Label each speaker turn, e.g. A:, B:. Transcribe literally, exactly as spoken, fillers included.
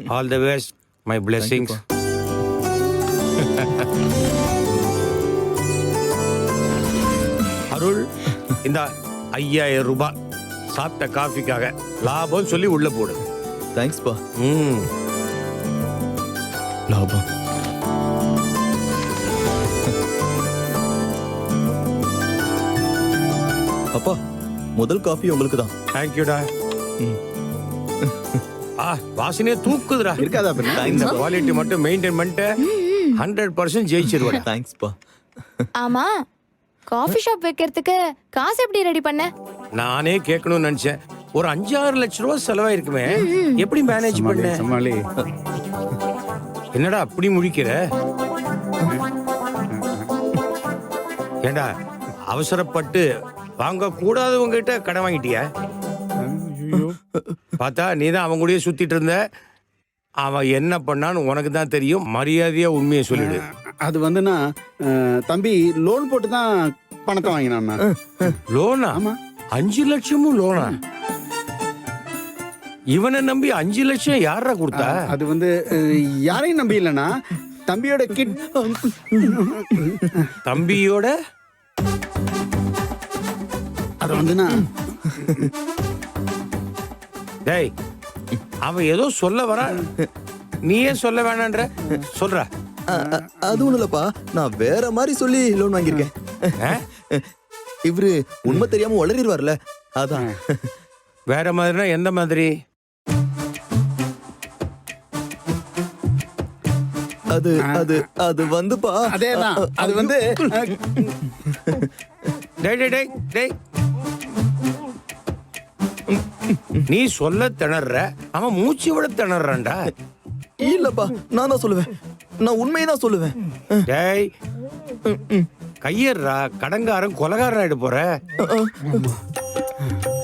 A: All the best, my blessings. Arul, இந்த ஐயாயிரம் ரூபாய் சாப்பிட்ட காஃபிக்காக லாபம் சொல்லி உள்ள போடு.
B: தேங்க்ஸ் பா.
A: ம்,
B: லாபம். அப்பா, முதல் காஃபி உங்களுக்கு தான்.
A: தேங்க்யூடா. ஆ, வாசனையே தூக்குதுடா.
C: இருக்காதா
A: இந்த குவாலிட்டி மட்டும் மெயின்டைன் பண்ணிட்டு ஹண்ட்ரட் பர்சன்ட் ஜெயிச்சிருவேன்.
B: தேங்க்ஸ் பா.
D: ஆமா, காஃபி ஷாப் வைக்கிறதுக்கு காசு எப்படி ரெடி பண்ண?
A: நானே கேட்கணும்னு நினைச்சேன். ஒரு அஞ்சாறு லட்சம் ரூபாய் செலவாயிருக்குமே, எப்படி மேனேஜ் பண்ண?
C: சமாளி.
A: என்னடா அப்படி முழிக்கிற? ஏண்டா அவசரப்பட்டு வாங்க கூடாதவங்க கிட்ட கடன் வாங்கிட்டியா? பார்த்தா நீ தான் அவன் கூடயே சுத்திட்டு இருந்த. அவன் என்ன பண்ணான்னு உனக்கு தான் தெரியும். மரியாதையா உண்மையை சொல்லிடு.
C: அது வந்துன்னா அஹ், தம்பி லோன் போட்டு தான் பணத்தை வாங்கினான்னா.
A: லோனா?
C: ஆமா.
A: அஞ்சு லட்சமும் லோனா? இவனை நம்பி அஞ்சு லட்சம் யாரா கொடுத்தா?
C: அது வந்து அஹ், யாரையும் நம்பி இல்லைன்னா தம்பியோட கிட்.
A: தம்பியோட
C: அது வந்துன்னா
A: டேய், அவன் ஏதோ சொல்ல வர, நீயே சொல்ல வேணான்ற. சொல்ற.
B: அ- அ- அது ஒண்ணும் இல்லப்பா, நான் வேற மாதிரி சொல்லி லோன் வாங்கியிருக்கேன்.
A: ஆ?
B: இவரு உண்மை தெரியாம உளறிடுவார்ல, அதான்.
A: வேற மாதிரினா எந்த மாதிரி?
B: அது அது அது வந்துப்பா.
C: அதேதான். அது வந்து அஹ்,
A: டேய் டேய் டேய் டேய், நீ சொல்ல திணற, அவன் மூச்சு விட திணறான்டா.
B: இல்லப்பா, நான் தான் சொல்லுவேன். நான் உண்மையை தான் சொல்லுவேன்.
A: டேய், கையேறா, கடங்காரன் கொலகாரன் ஆயிட போற.